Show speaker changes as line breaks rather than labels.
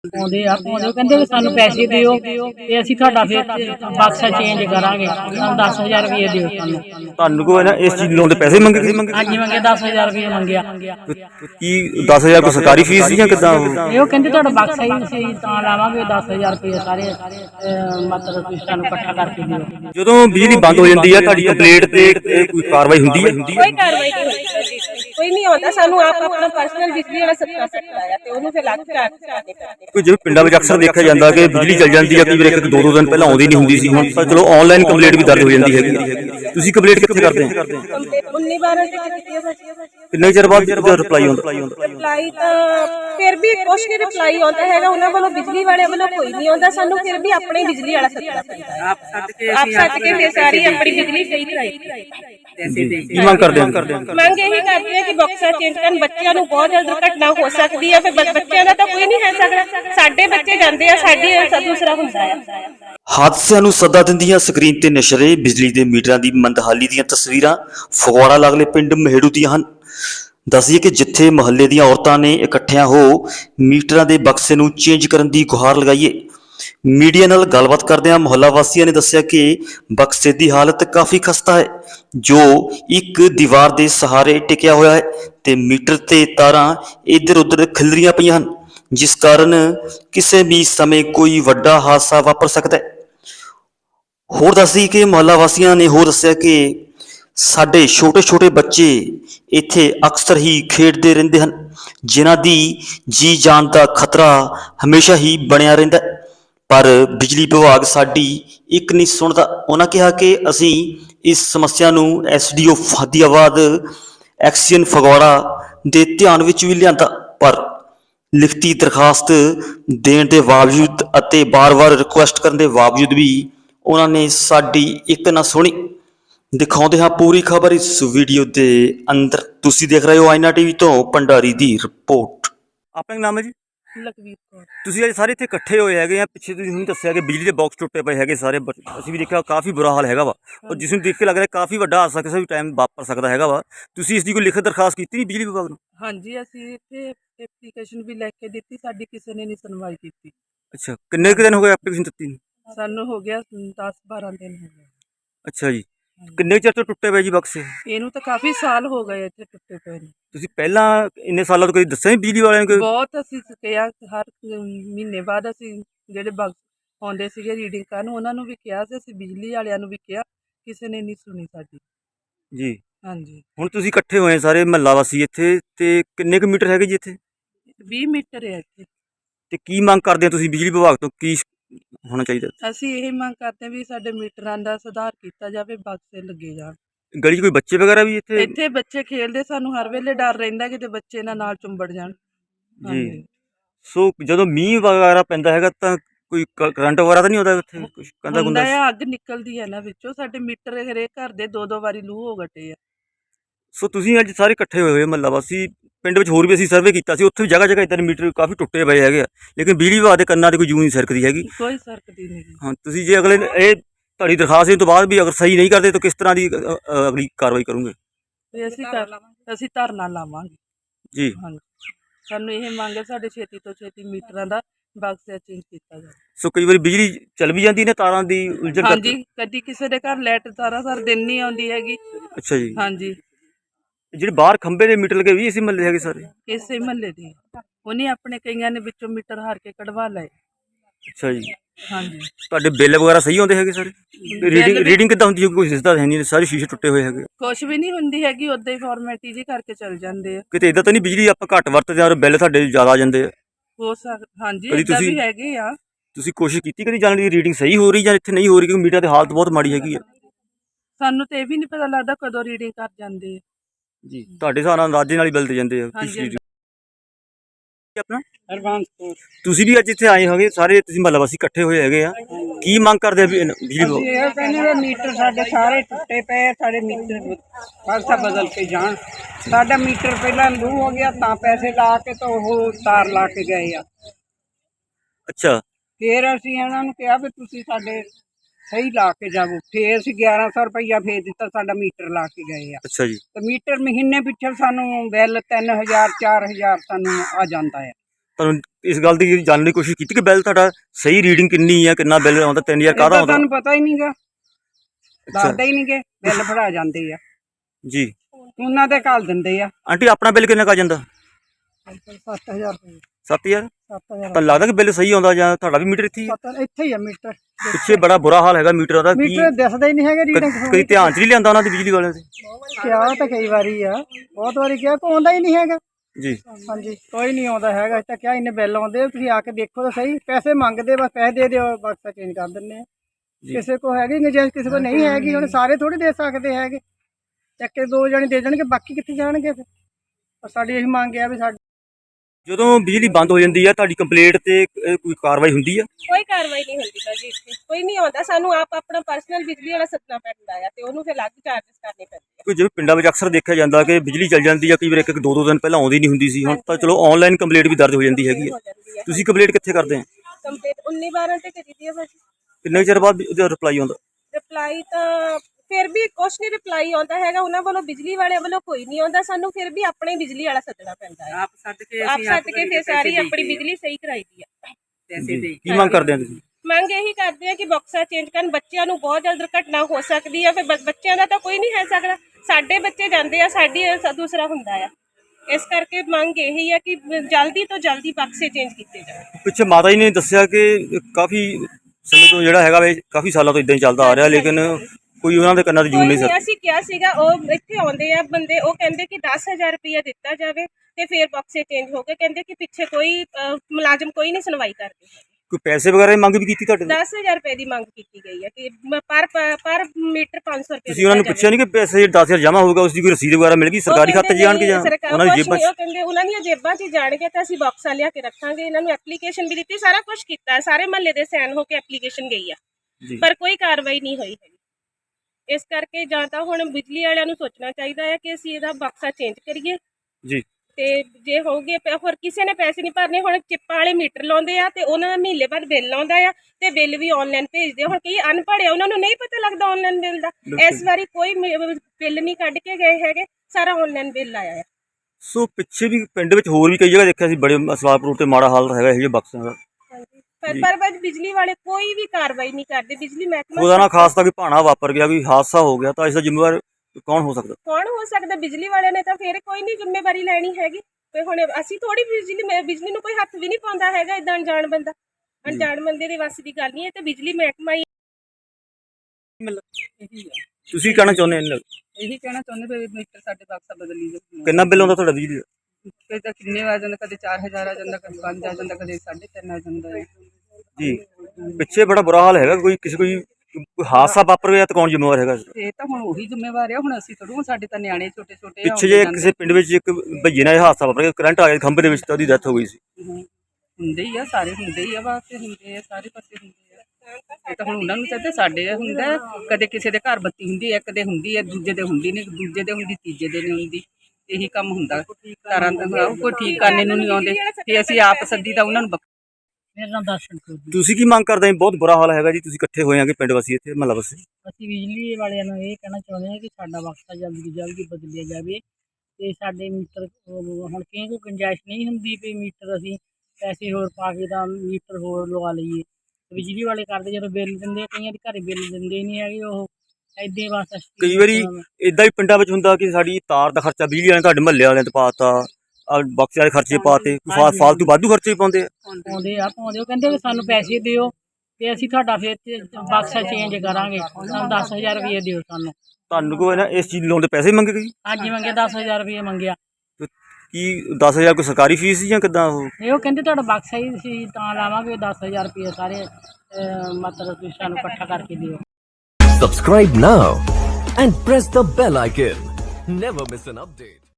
ਆਉਂਦੇ ਆ ਉਹ ਕਹਿੰਦੇ ਵੀ ਸਾਨੂੰ ਪੈਸੇ ਦਿਓ ਤੇ ਅਸੀਂ ਤੁਹਾਡਾ ਫਿਰ ਬਕਸਾ ਚੇਂਜ ਕਰਾਂਗੇ। ਸਾਨੂੰ 10,000 ਰੁਪਏ ਦਿਓ ਸਾਨੂੰ।
ਤੁਹਾਨੂੰ ਕੋਈ ਨਾ ਇਸ ਚੀਜ਼ ਲਾਉਣ ਦੇ ਪੈਸੇ ਮੰਗੇ?
ਹਾਂਜੀ ਮੰਗੇ 10,000 ਰੁਪਏ ਮੰਗਿਆ।
ਕੀ 10,000 ਕੋਈ ਸਰਕਾਰੀ ਫੀਸ ਸੀ ਜਾਂ ਕਿੱਦਾਂ?
ਉਹ ਕਹਿੰਦੇ ਤੁਹਾਡਾ ਬਕਸਾ ਹੀ ਅਸੀਂ ਤਾਂ ਲਾਵਾਂਗੇ 10,000 ਰੁਪਏ ਸਾਰੇ ਮਤਲਬ ਤੁਸੀਂ ਸਾਨੂੰ ਇਕੱਠਾ ਕਰਕੇ ਦਿਓ।
ਜਦੋਂ ਬਿਜਲੀ ਬੰਦ ਹੋ ਜਾਂਦੀ ਹੈ ਤੁਹਾਡੀ ਕੰਪਲੇਂਟ ਤੇ ਕੋਈ ਕਾਰਵਾਈ ਹੁੰਦੀ ਹੈ?
ਕੋਈ ਕਾਰਵਾਈ ਕੋਈ ਨਹੀਂ ਹੁੰਦਾ। ਸਾਨੂੰ ਆਪ ਆਪਣਾ ਪਰਸਨਲ ਬਿਜਲੀ ਵਾਲਾ ਸੱਤਾ ਆਇਆ ਤੇ ਉਹਨੂੰ ਫਿਰ ਲੱਗ ਚਾਰਜ
ਕੋਈ ਜਿਵੇਂ ਪਿੰਡਾਂ ਵਿੱਚ ਅਕਸਰ ਦੇਖਿਆ ਜਾਂਦਾ ਕਿ ਬਿਜਲੀ ਚੱਲ ਜਾਂਦੀ ਹੈ, ਕਈ ਵਾਰ 1-2 ਦਿਨ ਪਹਿਲਾਂ ਆਉਂਦੀ ਨਹੀਂ ਹੁੰਦੀ ਸੀ। ਹੁਣ ਤਾਂ ਚਲੋ ਆਨਲਾਈਨ ਕੰਪਲੇਂਟ ਵੀ ਦਰਜ ਹੋ ਜਾਂਦੀ ਹੈਗੀ। ਤੁਸੀਂ ਕੰਪਲੇਂਟ ਕਿੱਥੇ ਕਰਦੇ ਹੋ?
19-12 ਕੀਤੀ ਹੈ ਸੱਚੀ।
ਕਿੰਨੇ ਚਿਰ ਬਾਅਦ ਰਿਪਲਾਈ ਆਉਂਦਾ?
ਰਿਪਲਾਈ ਤਾਂ ਫਿਰ ਵੀ ਕੁਛ ਨਹੀਂ ਰਿਪਲਾਈ ਆਉਂਦਾ ਹੈਗਾ ਉਹਨਾਂ ਵੱਲੋਂ, ਬਿਜਲੀ ਵਾਲਿਆਂ ਵੱਲੋਂ ਕੋਈ ਨਹੀਂ ਆਉਂਦਾ। ਸਾਨੂੰ ਫਿਰ ਵੀ ਆਪਣੇ ਬਿਜਲੀ ਵਾਲਾ ਸੱਤਾ ਪੈਂਦਾ ਹੈ। ਆਪ ਸੱਚ ਕੇ ਫਿਰ ਸਾਰੀ ਆਪਣੀ ਬਿਜਲੀ ਸਹੀ ਕਰਾਈ।
ਕੀ ਮੰਗ ਕਰਦੇ ਹੋ?
ਮੰਗ ਇਹੀ ਕਰਦੇ ਆ ਕਿ ਬਕਸਾ ਚੇਂਜ ਕਰਨ। ਬੱਚਿਆਂ ਨੂੰ ਬਹੁਤ ਜ਼ਿਆਦਾ ਘਟਨਾ ਹੋ ਸਕਦੀ ਹੈ। ਫਿਰ ਬੱਚਿਆਂ ਦਾ ਤਾਂ ਕੋਈ ਨਹੀਂ ਹੈ ਸਕਦਾ। ਸਾਡੇ ਬੱਚੇ ਜਾਂਦੇ ਆ, ਸਾਡੀ ਦੂਸਰਾ ਹੁੰਦਾ ਆ।
ਹਾਦਸਿਆਂ ਨੂੰ ਸੱਦਾ ਦਿੰਦੀਆਂ ਸਕਰੀਨ ਤੇ ਨਸ਼ਰੇ ਬਿਜਲੀ ਦੇ ਮੀਟਰਾਂ ਦੀ ਮੰਦਹਾਲੀ ਦੀਆਂ ਤਸਵੀਰਾਂ ਫਗਵਾੜਾ ਲਾਗਲੇ ਪਿੰਡ ਮਹੇੜੂ ਦੀਆਂ ਹਨ। ਦੱਸੀਏ ਕਿ ਜਿੱਥੇ ਮੁਹੱਲੇ ਦੀਆਂ ਔਰਤਾਂ ਨੇ ਇਕੱਠਿਆਂ ਹੋ ਮੀਟਰਾਂ ਦੇ ਬਕਸੇ ਨੂੰ ਚੇਂਜ ਕਰਨ ਦੀ ਗੁਹਾਰ ਲਗਾਈ ਹੈ। ਮੀਡੀਆ ਨਾਲ ਗੱਲਬਾਤ ਕਰਦਿਆਂ ਮੁਹੱਲਾ ਵਾਸੀਆਂ ਨੇ ਦੱਸਿਆ ਕਿ ਬਕਸੇ ਦੀ ਹਾਲਤ ਕਾਫੀ ਖਸਤਾ ਹੈ, ਜੋ ਇੱਕ ਦੀਵਾਰ ਦੇ ਸਹਾਰੇ ਟਿਕਿਆ ਹੋਇਆ ਹੈ ਤੇ ਮੀਟਰ ਤੇ ਤਾਰਾਂ ਇੱਧਰ ਉੱਧਰ ਖਿਲਰੀਆਂ ਪਈਆਂ ਹਨ, ਜਿਸ ਕਾਰਨ ਕਿਸੇ ਵੀ ਸਮੇਂ ਕੋਈ ਵੱਡਾ ਹਾਦਸਾ ਵਾਪਰ ਸਕਦਾ ਹੈ। ਹੋਰ ਦੱਸਦੀ ਕਿ ਮੁਹੱਲਾ ਵਾਸੀਆਂ ਨੇ ਹੋਰ ਦੱਸਿਆ ਕਿ ਸਾਡੇ ਛੋਟੇ ਬੱਚੇ ਇੱਥੇ ਅਕਸਰ ਹੀ ਖੇਡਦੇ ਰਹਿੰਦੇ ਹਨ, ਜਿਨ੍ਹਾਂ ਦੀ ਜੀ ਜਾਨ ਦਾ ਖਤਰਾ ਹਮੇਸ਼ਾ ਹੀ ਬਣਿਆ ਰਹਿੰਦਾ ਹੈ, ਪਰ ਬਿਜਲੀ ਵਿਭਾਗ ਸਾਡੀ ਇੱਕ ਨਹੀਂ ਸੁਣਦਾ। ਉਹਨਾਂ ਕਿਹਾ ਕਿ ਅਸੀਂ ਇਸ ਸਮੱਸਿਆ ਨੂੰ SDO ਫਾਤਿਆਬਾਦ ਐਕਸੀਅਨ ਫਗਵਾੜਾ ਦੇ ਧਿਆਨ ਵਿੱਚ ਵੀ ਲਿਆਂਦਾ, ਪਰ ਲਿਖਤੀ ਦਰਖਾਸਤ ਦੇਣ ਦੇ ਬਾਵਜੂਦ ਅਤੇ ਬਾਰ-ਬਾਰ ਰਿਕੁਐਸਟ ਕਰਨ ਦੇ ਬਾਵਜੂਦ ਵੀ ਉਹਨਾਂ ਨੇ ਸਾਡੀ ਇੱਕ ਨਾ ਸੁਣੀ। ਦਿਖਾਉਂਦੇ ਹਾਂ ਪੂਰੀ ਖਬਰ ਇਸ ਵੀਡੀਓ ਦੇ ਅੰਦਰ। ਤੁਸੀਂ ਦੇਖ ਰਹੇ ਹੋ ਆਇਨਾ TV ਤੋਂ ਭੰਡਾਰੀ ਦੀ ਰਿਪੋਰਟ। ਆਪਣਾ ਨਾਮ ਹੈ ਜੀ?
ਲਖਵੀਰ ਕੌਰ।
ਤੁਸੀਂ ਅੱਜ ਸਾਰੇ ਇੱਥੇ ਇਕੱਠੇ ਹੋਏ ਹੈਗੇ ਆ। ਪਿੱਛੇ ਤੁਸੀਂ ਹੁਣ ਦੱਸਿਆ ਕਿ ਬਿਜਲੀ ਦੇ ਬਾਕਸ ਟੁੱਟੇ ਪਏ ਹੈਗੇ ਸਾਰੇ। ਅਸੀਂ ਵੀ ਦੇਖਿਆ ਕਾਫੀ ਬੁਰਾ ਹਾਲ ਹੈਗਾ ਵਾ, ਔਰ ਜਿਸ ਨੂੰ ਦੇਖ ਕੇ ਲੱਗ ਰਿਹਾ ਕਾਫੀ ਵੱਡਾ ਹਾਦਸਾ ਕਿਸੇ ਵੀ ਟਾਈਮ ਵਾਪਰ ਸਕਦਾ ਹੈਗਾ ਵਾ। ਤੁਸੀਂ ਇਸ ਦੀ ਕੋਈ ਲਿਖਤ ਦਰਖਾਸਤ ਕੀਤੀ ਨਹੀਂ ਬਿਜਲੀ ਵਿਭਾਗ ਨੂੰ?
ਹਾਂਜੀ ਅਸੀਂ ਇੱਥੇ ਐਪਲੀਕੇਸ਼ਨ ਵੀ ਲੈ ਕੇ ਦਿੱਤੀ, ਸਾਡੀ ਕਿਸੇ ਨੇ ਨਹੀਂ ਸੁਣਵਾਈ ਕੀਤੀ।
ਅੱਛਾ, ਕਿੰਨੇ ਕੁ ਦਿਨ ਹੋ ਗਏ ਐਪਲੀਕੇਸ਼ਨ ਦਿੱਤੀ ਨੂੰ?
ਸਾਨੂੰ ਹੋ ਗਿਆ 10-12 ਦਿਨ ਹੋ ਗਏ।
ਅੱਛਾ ਜੀ, ਕਿੰਨੇ ਚਿਰ ਤੋਂ ਟੁੱਟੇ ਪਏ ਜੀ ਬਕਸੇ?
ਇਹਨੂੰ ਤਾਂ ਕਾਫੀ ਸਾਲ ਹੋ ਗਏ ਇੱਥੇ ਟੁੱਟੇ ਪਏ ਨੂੰ।
ਤੁਸੀਂ ਪਹਿਲਾਂ ਇੰਨੇ ਸਾਲਾਂ ਤੋਂ ਕਦੀ ਦੱਸਿਆ ਨਹੀਂ ਬਿਜਲੀ ਵਾਲਿਆਂ ਨੂੰ?
ਬਹੁਤ ਅਸੀਂ ਕਿਹਾ, ਹਰ ਮਹੀਨੇ ਬਾਅਦ ਅਸੀਂ ਜਿਹੜੇ ਬਕਸ ਆਉਂਦੇ ਸੀਗੇ ਰੀਡਿੰਗ ਕਰਨ, ਉਹਨਾਂ ਨੂੰ ਵੀ ਕਿਹਾ ਸੀ, ਅਸੀਂ ਬਿਜਲੀ ਵਾਲਿਆਂ ਨੂੰ ਵੀ ਕਿਹਾ, ਕਿਸੇ ਨੇ ਨਹੀਂ ਸੁਣੀ ਸਾਡੀ
ਜੀ।
ਹਾਂਜੀ।
ਹੁਣ ਤੁਸੀਂ ਇਕੱਠੇ ਹੋਏ ਸਾਰੇ ਮਹੱਲਾ ਵਾਸੀ ਇੱਥੇ, ਤੇ ਕਿੰਨੇ ਕੁ ਮੀਟਰ ਹੈਗੇ ਜੀ ਇੱਥੇ?
20 ਮੀਟਰ ਹੈ ਇੱਥੇ।
ਤੇ ਕੀ ਮੰਗ ਕਰਦੇ ਹੋ ਤੁਸੀਂ ਬਿਜਲੀ ਵਿਭਾਗ ਤੋਂ, ਕੀ ਹੋਣਾ ਚਾਹੀਦਾ?
ਅਸੀਂ ਇਹ ਮੰਗ ਕਰਦੇ ਵੀ ਸਾਡੇ ਮੀਟਰਾਂ ਦਾ ਸੁਧਾਰ ਕੀਤਾ ਜਾਵੇ, ਬਕਸੇ ਲੱਗੇ ਜਾਣ।
ਗਲੀ 'ਚ ਕੋਈ ਬੱਚੇ ਵਗੈਰਾ ਵੀ
ਇੱਥੇ ਬੱਚੇ ਖੇਡਦੇ, ਸਾਨੂੰ ਹਰ ਵੇਲੇ ਡਰ ਰਹਿੰਦਾ ਕਿਤੇ ਬੱਚੇ ਨਾਲ ਚੁੰਬੜ ਜਾਣ।
ਜੀ। ਸੋ ਜਦੋਂ ਮੀਂਹ ਵਗੈਰਾ ਪੈਂਦਾ ਹੈਗਾ ਤਾਂ ਕੋਈ ਕਰੰਟ ਵਗੈਰਾ ਤਾਂ ਨਹੀਂ ਆਉਂਦਾ ਇੱਥੇ? ਕੁਝ ਕਹਿੰਦਾ
ਹੁੰਦਾ ਆ, ਅੱਗ ਨਿਕਲਦੀ ਹੈ ਨਾ ਵਿੱਚੋਂ। ਸਾਡੇ ਮੀਟਰ ਹਰੇਕ ਘਰ ਦੇ 2-2 ਵਾਰੀ ਲੂ ਹੋ ਗਟੇ ਆ।
ਸੋ ਤੁਸੀਂ ਅੱਜ ਸਾਰੇ ਇਕੱਠੇ ਹੋਏ ਮਹੱਲਾ ਵਾਸੀ। ਪਿੰਡ ਵਿੱਚ ਹੋਰ ਵੀ ਅਸੀਂ ਸਰਵੇ ਕੀਤਾ ਸੀ, ਉੱਥੇ ਵੀ ਜਗ੍ਹਾ ਇੱਦਾਂ ਦੇ ਮੀਟਰ ਕਾਫੀ ਟੁੱਟੇ ਪਏ ਹੈਗੇ ਆ, ਲੇਕਿਨ ਬਿਜਲੀ ਵਿਭਾਗ ਦੇ ਕੰਨਾਂ 'ਤੇ ਕੋਈ ਜੂੰ ਨਹੀਂ ਸਰਕਦੀ ਹੈਗੀ।
ਕੋਈ ਸਰਕਦੀ ਨਹੀਂ।
ਹਾਂ, ਤੁਸੀਂ ਜੇ ਅਗਲੇ ਇਹ ਤੁਹਾਡੀ ਦਰਖਾਸਤ ਦੇਣ ਤੋਂ ਬਾਅਦ ਵੀ ਅਗਰ ਸਹੀ ਨਹੀਂ ਕਰਦੇ ਤਾਂ ਕਿਸ ਤਰ੍ਹਾਂ ਦੀ ਅਗਲੀ ਕਾਰਵਾਈ ਕਰੋਗੇ?
ਅਸੀਂ ਧਰਨਾ ਲਾਵਾਂਗੇ
ਜੀ।
ਹਾਂਜੀ, ਸਾਨੂੰ ਇਹ ਮੰਗ ਹੈ ਸਾਡੇ ਛੇਤੀ ਤੋਂ ਛੇਤੀ ਮੀਟਰਾਂ ਦਾ ਬਕਸਾ ਚੇਂਜ ਕੀਤਾ ਜਾਵੇ।
ਸੋ ਕਈ ਵਾਰੀ ਬਿਜਲੀ ਚੱਲ ਵੀ ਜਾਂਦੀ ਨੇ, ਤਾਰਾਂ ਦੀ ਉਲਝਣ ਕਰਕੇ?
ਹਾਂਜੀ, ਕਦੀ ਕਿਸੇ ਦੇ ਘਰ ਲਾਈਟ ਸਾਰਾ ਦਿਨ ਨਹੀਂ ਆਉਂਦੀ ਹੈਗੀ।
ਅੱਛਾ ਜੀ।
ਹਾਂਜੀ।
ਜਿਹੜੇ ਬਾਹਰ ਖੰਭੇ ਦੇ ਮੀਟਰ ਲਗੇ ਵੀ ਇਸੇ ਮਹੱਲੇ ਹੈਗੇ ਸਾਰੇ?
ਇਸੇ ਮਹੱਲੇ ਦੀ ਉਹਨੇ ਆਪਣੇ ਕਈਆਂ ਨੇ ਵਿੱਚੋਂ ਮੀਟਰ ਹਾਰ ਕੇ ਕਢਵਾ ਲਏ।
ਅੱਛਾ ਜੀ।
ਹਾਂਜੀ।
ਤੁਹਾਡੇ ਬਿੱਲ ਵਗੈਰਾ ਸਹੀ ਆਉਂਦੇ ਹੈਗੇ ਸਾਰੇ? ਰੀਡਿੰਗ ਕਿੱਦਾਂ ਹੁੰਦੀ ਹੈ? ਕੋਈ ਸਿੱਧਾ ਹੈ ਨਹੀਂ, ਸਾਰੇ ਸ਼ੀਸ਼ੇ ਟੁੱਟੇ ਹੋਏ ਹੈਗੇ।
ਕੁਛ ਵੀ ਨਹੀਂ ਹੁੰਦੀ ਹੈਗੀ, ਉਦਾਂ ਹੀ ਫਾਰਮੈਲਿਟੀ ਜੀ ਕਰਕੇ ਚੱਲ ਜਾਂਦੇ ਆ।
ਕਿਤੇ ਇਦਾਂ ਤਾਂ ਨਹੀਂ ਬਿਜਲੀ ਆਪਾਂ ਘੱਟ ਵਰਤਦੇ ਔਰ ਬਿੱਲ ਤੁਹਾਡੇ ਜ਼ਿਆਦਾ ਆ ਜਾਂਦੇ ਆ?
ਹੋ ਸਕਦਾ, ਹਾਂਜੀ, ਇਦਾਂ ਵੀ ਹੈਗੇ ਆ।
ਤੁਸੀਂ ਕੋਸ਼ਿਸ਼ ਕੀਤੀ ਕਦੀ ਜਾਣਨ ਦੀ ਰੀਡਿੰਗ ਸਹੀ ਹੋ ਰਹੀ ਜਾਂ ਇੱਥੇ ਨਹੀਂ ਹੋ ਰਹੀ? ਕਿਉਂਕਿ ਮੀਟਰ ਦੀ ਹਾਲਤ ਬਹੁਤ ਮਾੜੀ ਹੈਗੀ ਆ।
ਸਾਨੂੰ ਤੇ ਇਹ ਵੀ ਨਹੀਂ ਪਤਾ ਲੱਗਦਾ ਕਦੋਂ ਰੀਡਿੰਗ ਕਰ ਜਾਂਦੇ ਆ।
ਜੀ, ਤੁਹਾਡੇ ਹਿਸਾਬ ਨਾਲ ਅੰਦਾਜ਼ੇ ਨਾਲ ਹੀ ਬਿੱਲ ਤੇ ਜਾਂਦੇ ਆ ਪਿਛਲੀ। ਆਪਣਾ
ਹਰਬੰਸ ਕੌਰ।
ਤੁਸੀਂ ਵੀ ਅੱਜ ਇੱਥੇ ਆਏ ਹੋਗੇ ਸਾਰੇ, ਤੁਸੀਂ ਮਹੱਲਾ ਵਾਸੀ ਇਕੱਠੇ ਹੋਏ ਹੈਗੇ ਆ, ਕੀ ਮੰਗ ਕਰਦੇ ਆ ਬਿਜਲੀ ਵਿਭਾਗ?
ਅਸੀਂ ਇਹ ਕਹਿੰਦੇ ਵੀ ਮੀਟਰ ਸਾਡੇ ਸਾਰੇ ਟੁੱਟੇ ਪਏ, ਸਾਡੇ ਮੀਟਰ ਪਾਸਾ ਬਦਲ ਕੇ ਜਾਣ। ਸਾਡਾ ਮੀਟਰ ਪਹਿਲਾਂ ਲੂ ਹੋ ਗਿਆ, ਤਾਂ ਪੈਸੇ ਲਾ ਕੇ ਤਾਂ ਉਹ ਤਾਰ ਲਾ ਕੇ ਗਏ ਆ।
ਅੱਛਾ।
ਫਿਰ ਅਸੀਂ ਇਹਨਾਂ ਨੂੰ ਕਿਹਾ ਵੀ ਤੁਸੀਂ ਸਾਡੇ ਸਹੀ ਲਾ ਕੇ ਜਾਵੋ। ਫਿਰ ਅਸੀਂ 1100 ਰੁਪਈਆ ਭੇਜ ਦਿੱਤਾ, ਸਾਡਾ ਮੀਟਰ ਲਾ ਕੇ ਗਏ ਆ।
ਅੱਛਾ ਜੀ।
ਤੇ ਮੀਟਰ ਮਹੀਨੇ ਪਿੱਛੇ ਸਾਨੂੰ ਬਿੱਲ 3000 4000 ਸਾਨੂੰ ਆ ਜਾਂਦਾ ਹੈ।
ਤੁਹਾਨੂੰ ਇਸ ਗੱਲ ਦੀ ਜਾਣਨ ਦੀ ਕੋਸ਼ਿਸ਼ ਕੀਤੀ ਕਿ ਬਿੱਲ ਤੁਹਾਡਾ ਸਹੀ ਰੀਡਿੰਗ ਕਿੰਨੀ ਆ, ਕਿੰਨਾ ਬਿੱਲ ਆਉਂਦਾ, 3000 ਕਾਹਦਾ ਆਉਂਦਾ?
ਸਾਨੂੰ ਪਤਾ ਹੀ ਨਹੀਂਗਾ, ਦੱਸਦੇ ਹੀ ਨਹੀਂਗੇ, ਬਿੱਲ ਫੜਾ ਜਾਂਦੇ ਆ
ਜੀ।
ਉਹਨਾਂ ਦੇ ਘੱਲ ਦਿੰਦੇ ਆ।
ਆਂਟੀ ਆਪਣਾ ਬਿੱਲ ਕਿੰਨਾ ਕੁ ਆ ਜਾਂਦਾ?
7000 ਰੁਪਏ।
7000?
7000
ਤਾਂ ਲੱਗਦਾ ਕਿ ਬਿੱਲ ਸਹੀ ਆਉਂਦਾ ਜਾਂ ਤੁਹਾਡਾ ਵੀ ਮੀਟਰ ਇੱਥੇ ਹੀ ਆ?
ਇੱਥੇ ਹੀ ਆ ਮੀਟਰ।
ਪਿੱਛੇ ਬੜਾ ਬੁਰਾ ਹਾਲ ਹੈਗਾ ਮੀਟਰ ਦਾ। ਕੀ
ਮੀਟਰ ਦਿਸਦਾ ਹੀ ਨਹੀਂ ਹੈਗਾ ਰੀਡਿੰਗ।
ਕਈ ਧਿਆਨ 'ਚ ਨਹੀਂ ਲਿਆਂਦਾ ਉਹਨਾਂ ਦੀ ਬਿਜਲੀ ਵਾਲਿਆਂ ਦੇ?
ਕਿਹਾ ਤਾਂ ਕਈ ਵਾਰੀ ਆ, ਬਹੁਤ ਵਾਰੀ ਕਿਹਾ, ਕੋਈ ਆਉਂਦਾ ਹੀ ਨਹੀਂ ਹੈਗਾ
ਜੀ।
ਹਾਂਜੀ, ਕੋਈ ਨਹੀਂ ਆਉਂਦਾ ਹੈਗਾ। ਅਸੀਂ ਤਾਂ ਕਿਹਾ ਇੰਨੇ ਬਿੱਲ ਆਉਂਦੇ, ਤੁਸੀਂ ਆ ਕੇ ਦੇਖੋ ਤਾਂ ਸਹੀ। ਪੈਸੇ ਮੰਗਦੇ, ਬਸ ਪੈਸੇ ਦੇ ਦਿਓ, ਬਕਸਾ ਚੇਂਜ ਕਰ ਦਿੰਦੇ ਆ। ਕਿਸੇ ਕੋ ਹੈਗੀ ਗੁੰਜਾਇਸ਼, ਕਿਸੇ ਕੋ ਨਹੀਂ ਹੈਗੀ। ਹੁਣ ਸਾਰੇ ਥੋੜੀ ਦੇ ਸਕਦੇ ਹੈਗੇ, ਚੱਕ ਕੇ 2 ਜਣੇ ਦੇ ਜਾਣਗੇ, ਬਾਕੀ ਕਿੱਥੇ ਜਾਣਗੇ ਫਿਰ? ਸਾਡੀ ਇਹੀ ਮੰਗ ਆ ਵੀ ਸਾਡੇ
ਜਦੋਂ ਬਿਜਲੀ ਬੰਦ ਹੋ ਜਾਂਦੀ ਆ ਤੁਹਾਡੀ ਕੰਪਲੇਂਟ ਤੇ ਕੋਈ ਕਾਰਵਾਈ ਹੁੰਦੀ ਆ?
ਕੋਈ ਕਾਰਵਾਈ ਨਹੀਂ ਹੁੰਦੀ ਭਾਜੀ, ਇੱਥੇ ਕੋਈ ਨਹੀਂ ਆਉਂਦਾ। ਸਾਨੂੰ ਆਪ ਆਪਣਾ ਪਰਸਨਲ ਬਿਜਲੀ ਵਾਲਾ ਸੱਦਣਾ ਪੈਂਦਾ ਆ ਤੇ ਉਹਨੂੰ ਫਿਰ ਅਲੱਗ ਚਾਰਜਸ ਕਰਨੇ ਪੈਂਦੇ ਆ।
ਕੋਈ ਜਿਵੇਂ ਪਿੰਡਾਂ ਵਿੱਚ ਅਕਸਰ ਦੇਖਿਆ ਜਾਂਦਾ ਕਿ ਬਿਜਲੀ ਚੱਲ ਜਾਂਦੀ ਆ, ਕਈ ਵਾਰ 1-2 ਦਿਨ ਪਹਿਲਾਂ ਆਉਂਦੀ ਨਹੀਂ ਹੁੰਦੀ ਸੀ। ਹੁਣ ਤਾਂ ਚਲੋ ਆਨਲਾਈਨ ਕੰਪਲੇਂਟ ਵੀ ਦਰਜ ਹੋ ਜਾਂਦੀ ਹੈਗੀ ਆ। ਤੁਸੀਂ ਕੰਪਲੇਂਟ ਕਿੱਥੇ ਕਰਦੇ ਆ?
ਕੰਪਲੀਟ 19/12 ਤੇ ਕਰੀਦੀ ਆ ਭਾਜੀ।
ਕਿੰਨੇ ਚਿਰ ਬਾਅਦ ਉਹਦਾ ਰਿਪਲਾਈ ਆਉਂਦਾ?
ਰਿਪਲਾਈ ਤਾਂ ਫਿਰ ਵੀ ਕੁਛ ਨਹੀਂ ਰਿਪਲਾਈ ਆਉਂਦਾ ਹੈਗਾ ਉਹਨਾਂ ਵੱਲੋਂ, ਬਿਜਲੀ ਵਾਲਿਆਂ ਵੱਲੋਂ ਕੋਈ ਨਹੀਂ ਆਉਂਦਾ। ਸਾਨੂੰ ਫਿਰ ਵੀ ਆਪਣੇ ਬਿਜਲੀ ਵਾਲਾ ਸੱਦਣਾ ਪੈਂਦਾ ਹੈ। ਆਪ ਸੱਦ ਕੇ ਫਿਰ ਸਾਰੀ ਆਪਣੀ ਬਿਜਲੀ ਸਹੀ ਕਰਾਈਦੀ ਆ।
ਕੀ ਮੰਗ ਕਰਦੇ ਆ ਤੁਸੀਂ?
ਮੰਗ ਇਹੀ ਕਰਦੇ ਆ ਕਿ ਬਕਸਾ ਚੇਂਜ ਕਰਨ। ਬੱਚਿਆਂ ਨੂੰ ਬਹੁਤ ਜਲਦ ਦੁਰਘਟਨਾ ਹੋ ਸਕਦੀ ਆ, ਫਿਰ ਬੱਚਿਆਂ ਦਾ ਤਾਂ ਕੋਈ ਨਹੀਂ ਹੈ ਸਕਦਾ। ਸਾਡੇ ਬੱਚੇ ਜਾਂਦੇ ਆ, ਸਾਡੀ ਦੂਸਰਾ ਹੁੰਦਾ ਆ। ਇਸ ਕਰਕੇ ਮੰਗ ਇਹੀ ਆ ਕਿ ਜਲਦੀ ਤੋਂ ਜਲਦੀ ਬਕਸੇ ਚੇਂਜ ਕੀਤੇ ਜਾਣ।
ਪਿੱਛੇ ਮਾਤਾ ਜੀ ਨੇ ਦੱਸਿਆ ਕਿ ਕਾਫੀ ਸਮੇਂ ਤੋਂ ਜਿਹੜਾ ਹੈਗਾ ਵੇ, ਕਾਫੀ ਸਾਲਾਂ ਤੋਂ ਇਦਾਂ ਹੀ ਚੱਲਦਾ ਆ ਰਿਹਾ, ਲੇਕਿਨ ਕੋਈ ਉਹਨਾਂ ਦੇ ਕੰਨਾਂ ਤੇ ਜੂਨ ਨਹੀਂ ਸਰ।
ਅਸੀਂ ਕਿਹਾ ਸੀਗਾ, ਉਹ ਇੱਥੇ ਆਉਂਦੇ ਆ ਬੰਦੇ, ਉਹ ਕਹਿੰਦੇ ਕਿ 10,000 ਰੁਪਇਆ ਦਿੱਤਾ ਜਾਵੇ ਤੇ ਫਿਰ ਬਕਸੇ ਚੇਂਜ ਹੋ ਗਏ। ਕਹਿੰਦੇ ਕਿ ਪਿੱਛੇ ਕੋਈ ਮੁਲਾਜ਼ਮ ਕੋਈ ਨਹੀਂ ਸੁਣਵਾਈ ਕਰਦੇ।
ਕੋਈ ਪੈਸੇ ਵਗੈਰਾ ਦੀ ਮੰਗ ਵੀ ਕੀਤੀ ਤੁਹਾਡੇ ਤੋਂ?
10,000 ਰੁਪਏ ਦੀ ਮੰਗ ਕੀਤੀ ਗਈ ਹੈ ਕਿ ਪਰ ਮੀਟਰ 500 ਰੁਪਏ।
ਤੁਸੀਂ ਉਹਨਾਂ ਨੂੰ ਪੁੱਛਿਆ ਨਹੀਂ ਕਿ ਪੈਸੇ 10,000 ਜਮ੍ਹਾਂ ਹੋਊਗਾ, ਉਸ ਦੀ ਕੋਈ ਰਸੀਦ ਵਗੈਰਾ ਮਿਲ ਗਈ? ਸਰਕਾਰੀ ਖਾਤੇ 'ਚ ਜਾਣਗੇ ਜਾਂ ਉਹਨਾਂ ਦੀ ਜੇਬਾਂ 'ਚ?
ਉਹ ਕਹਿੰਦੇ ਉਹਨਾਂ ਦੀਆਂ ਜੇਬਾਂ 'ਚ ਜਾਣਗੇ ਤਾਂ ਅਸੀਂ ਬਕਸਾ ਲਿਆ ਕੇ ਰੱਖਾਂਗੇ। ਇਹਨਾਂ ਨੂੰ ਐਪਲੀਕੇਸ਼ਨ ਵੀ ਦਿੱਤੀ, ਸਾਰਾ ਕੁਝ ਕੀਤਾ, ਸਾਰੇ ਮਹੱਲੇ ਦੇ ਸਾਈਨ ਹੋ ਕੇ ਐਪਲੀਕੇਸ਼ਨ ਗਈ ਆ, ਪਰ ਕੋਈ ਕਾਰਵਾਈ ਨਹੀਂ ਹੋਈ ਹੈ। ਇਸ ਕਰਕੇ ਜਾਂ ਤਾਂ ਹੁਣ ਬਿਜਲੀ ਵਾਲਿਆਂ ਨੂੰ ਸੋਚਣਾ ਚਾਹੀਦਾ ਹੈ ਕਿ ਅਸੀਂ ਇਹਦਾ ਬਕਸਾ ਚੇਂਜ ਕਰੀਏ
ਜੀ।
ਤੇ ਜੇ ਹੋਊਗੇ ਹੋਰ ਕਿਸੇ ਨੇ ਪੈਸੇ ਨਹੀਂ ਭਰਨੇ। ਹੁਣ ਚਿੱਪਾਂ ਵਾਲੇ ਮੀਟਰ ਲਾਉਂਦੇ ਆ ਤੇ ਉਹਨਾਂ ਦਾ ਮਹੀਨੇ ਬਾਅਦ ਬਿੱਲ ਆਉਂਦਾ ਆ ਤੇ ਬਿੱਲ ਵੀ ਆਨਲਾਈਨ ਭੇਜਦੇ। ਹੁਣ ਕਈ ਅਨਪੜ੍ਹ ਆ, ਉਹਨਾਂ ਨੂੰ ਨਹੀਂ ਪਤਾ ਲੱਗਦਾ ਆਨਲਾਈਨ ਬਿੱਲ ਦਾ। ਇਸ ਵਾਰੀ ਕੋਈ ਬਿੱਲ ਨਹੀਂ ਕੱਢ ਕੇ ਗਏ ਹੈਗੇ, ਸਾਰਾ ਆਨਲਾਈਨ ਬਿੱਲ ਆਇਆ ਹੈ।
ਸੋ ਪਿੱਛੇ ਵੀ ਪਿੰਡ ਵਿੱਚ ਹੋਰ ਵੀ ਕਈ ਜਗ੍ਹਾ ਦੇਖਿਆ ਸੀ, ਬੜੇ ਸਵਾਲਪੁਰ ਰੋਡ ਤੇ ਮਾੜਾ ਹਾਲ ਹੈਗਾ ਇਹ ਜਿਹੇ ਬਕਸਿਆਂ ਦਾ।
ਪਰ ਬਿਜਲੀ ਵਾਲੇ ਕੋਈ ਵੀ ਕਾਰਵਾਈ ਨਹੀਂ ਕਰਦੇ। ਬਿਜਲੀ ਮਹਿਕਮਾ
ਉਹਦਾ ਨਾ ਖਾਸ ਤਾਂ ਕੋਈ ਭਾਣਾ ਵਾਪਰ ਗਿਆ, ਕੋਈ ਹਾਦਸਾ ਹੋ ਗਿਆ, ਤਾਂ ਇਸ ਦਾ ਜ਼ਿੰਮੇਵਾਰ ਕੌਣ ਹੋ ਸਕਦਾ?
ਕੌਣ ਹੋ ਸਕਦਾ? ਬਿਜਲੀ ਵਾਲਿਆਂ ਨੇ ਤਾਂ ਫਿਰ ਕੋਈ ਨਹੀਂ ਜ਼ਿੰਮੇਵਾਰੀ ਲੈਣੀ ਹੈਗੀ। ਤੇ ਹੁਣ ਅਸੀਂ ਥੋੜੀ ਬਿਜਲੀ ਨੂੰ ਕੋਈ ਹੱਥ ਵੀ ਨਹੀਂ ਪਾਉਂਦਾ ਹੈਗਾ। ਇਦਾਂ ਅਣਜਾਣ ਬੰਦਾ, ਅਣਜਾਣ ਬੰਦੇ ਦੇ ਵੱਸ ਦੀ ਗੱਲ ਨਹੀਂ ਹੈ। ਤੇ ਬਿਜਲੀ ਮਹਿਕਮਾ ਹੀ
ਤੁਸੀਂ ਕਹਿਣਾ ਚਾਹੁੰਦੇ ਹੋ?
ਇਹੀ ਕਹਿਣਾ ਚਾਹੁੰਦੇ ਵੀ ਮੀਟਰ ਸਾਡੇ ਬਕਸਾ ਬਦਲੀ ਜਾਓ।
ਕਿੰਨਾ ਬਿੱਲ ਆਉਂਦਾ ਤੁਹਾਡਾ ਬਿਜਲੀ ਦਾ?
ਕਦੇ ਕਿੰਨੇ ਆ ਜਾਂਦਾ, ਕਦੇ 4000 ਆ ਜਾਂਦਾ, ਕਦੇ 5 ਆ ਜਾਂਦਾ, ਕਦੇ 3.5 ਆ ਜਾਂਦਾ ਹੈ
ਜੀ। ਪਿੱਛੇ ਬੜਾ ਬੁਰਾ ਹਾਲ ਹੈਗਾ, ਕੋਈ ਹਾਦਸਾ ਵਾਪਰ ਗਿਆ ਤਾਂ ਕੌਣ ਜ਼ਿੰਮੇਵਾਰ ਹੈਗਾ?
ਇਹ ਤਾਂ ਹੁਣ ਉਹੀ ਜ਼ਿੰਮੇਵਾਰ ਆ। ਹੁਣ ਅਸੀਂ ਥੋੜ੍ਹਾ, ਸਾਡੇ ਤਾਂ ਨਿਆਣੇ ਛੋਟੇ ਛੋਟੇ ਆ।
ਪਿੱਛੇ ਜੇ ਕਿਸੇ ਪਿੰਡ ਵਿੱਚ ਇੱਕ ਭਈਏ ਨਾਲ ਇਹ ਹਾਦਸਾ ਵਾਪਰ ਗਿਆ, ਕਰੰਟ ਆ ਗਿਆ ਖੰਭੇ ਦੇ ਵਿੱਚ, ਤਾਂ ਉਹਦੀ ਡੈਥ ਹੋ ਗਈ ਸੀ।
ਹੁੰਦੇ ਹੀ ਆ, ਸਾਰੇ ਹੁੰਦੇ ਹੀ ਆ, ਵਾਸਤੇ ਹੁੰਦੇ ਆ, ਸਾਰੇ ਪਾਸੇ ਹੁੰਦੇ ਆ। ਇਹ ਤਾਂ ਹੁਣ ਉਹਨਾਂ ਨੂੰ ਚਾਹੀਦਾ, ਸਾਡੇ ਹੁੰਦਾ। ਕਦੇ ਕਿਸੇ ਦੇ ਘਰ ਬੱਤੀ ਹੁੰਦੀ ਹੈ, ਕਦੇ ਹੁੰਦੀ ਹੈ, ਦੂਜੇ ਦੇ ਹੁੰਦੀ ਨਹੀਂ, ਦੂਜੇ ਦੇ ਹੁੰਦੀ, ਤੀਜੇ ਦੇ ਨਹੀਂ ਹੁੰਦੀ। ਇਹੀ ਕੰਮ ਹੁੰਦਾ ਤਾਰਾਂ ਦਾ। ਕੋਈ ਠੀਕ ਕਰਨੇ ਨੂੰ ਨਹੀਂ ਆਉਂਦੇ ਤੇ ਅਸੀਂ ਆਪ ਸੱਦੀ ਤਾਂ ਉਹਨਾਂ ਨੂੰ।
ਮੇਰਾ ਨਾਮ ਦਰਸ਼ਨ ਕੌਰ ਜੀ।
ਤੁਸੀਂ ਕੀ ਮੰਗ ਕਰਦੇ ਹੋ? ਬਹੁਤ ਬੁਰਾ ਹਾਲ ਹੈਗਾ ਜੀ, ਤੁਸੀਂ ਇਕੱਠੇ ਹੋਏ ਆਂਗੇ ਪਿੰਡ ਵਾਸੀ, ਇੱਥੇ ਮਹੱਲਾ ਵਾਸੀ।
ਅਸੀਂ ਬਿਜਲੀ ਵਾਲਿਆਂ ਨੂੰ ਇਹ ਕਹਿਣਾ ਚਾਹੁੰਦੇ ਹਾਂ ਕਿ ਸਾਡਾ ਬਕਸਾ ਜਲਦੀ ਤੋਂ ਜਲਦੀ ਬਦਲਿਆ ਜਾਵੇ ਤੇ ਸਾਡੇ ਮੀਟਰ ਹੁਣ ਕਈ ਕੋਈ ਗੁੰਜਾਇਸ਼ ਨਹੀਂ ਹੁੰਦੀ ਵੀ ਮੀਟਰ ਅਸੀਂ ਪੈਸੇ ਹੋਰ ਪਾ ਕੇ ਤਾਂ ਮੀਟਰ ਹੋਰ ਲਵਾ ਲਈਏ। ਬਿਜਲੀ ਵਾਲੇ ਕਰਦੇ ਜਦੋਂ ਬਿੱਲ ਦਿੰਦੇ, ਕਈਆਂ ਦੇ ਘਰੇ ਬਿੱਲ ਦਿੰਦੇ ਹੀ ਨਹੀਂ ਹੈਗੇ, ਉਹ ਇੱਦਾਂ ਬਸ।
ਕਈ ਵਾਰੀ ਇਦਾਂ ਹੀ ਪਿੰਡਾਂ ਵਿੱਚ ਹੁੰਦਾ ਕਿ ਸਾਡੀ ਤਾਰ ਦਾ ਖਰਚਾ ਬਿਜਲੀ ਵਾਲਿਆਂ ਤੁਹਾਡੇ ਮਹੱਲੇ ਵਾਲਿਆਂ ਤੇ ਪਾਤਾ, ਬਕਸੇ ਵਾਲੇ ਖਰਚੇ ਪਾਤੇ, ਫਾਲਤੂ ਵਾਧੂ ਖਰਚੇ ਪਾਉਂਦੇ ਆ।
ਪਾਉਂਦੇ ਉਹ ਕਹਿੰਦੇ ਵੀ ਸਾਨੂੰ ਪੈਸੇ ਦਿਓ ਤੇ ਅਸੀਂ ਤੁਹਾਡਾ ਫਿਰ ਬਕਸਾ ਚੇਂਜ ਕਰਾਂਗੇ, ਸਾਨੂੰ 10,000 ਰੁਪਏ ਦਿਓ ਸਾਨੂੰ।
ਤੁਹਾਨੂੰ ਕੋਈ ਨਾ ਇਸ ਚੀਜ਼ ਲਾਉਣ ਦੇ ਪੈਸੇ ਮੰਗੇ ਗਏ?
ਅੱਜ ਮੰਗੇ 10,000 ਰੁਪਏ ਮੰਗਿਆ।
ਕੀ 10,000 ਕੋਈ ਸਰਕਾਰੀ ਫੀਸ ਸੀ ਜਾਂ ਕਿੱਦਾਂ?
ਉਹ ਕਹਿੰਦੇ ਤੁਹਾਡਾ ਬਕਸਾ ਹੀ ਸੀ ਤਾਂ ਲਾਵਾਂਗੇ 10,000 ਰੁਪਏ ਸਾਰੇ, ਮਤਲਬ ਤੁਸੀਂ ਸਾਨੂੰ ਇਕੱਠਾ ਕਰਕੇ ਦਿਓ।
Subscribe now and press the bell icon. Never miss an update.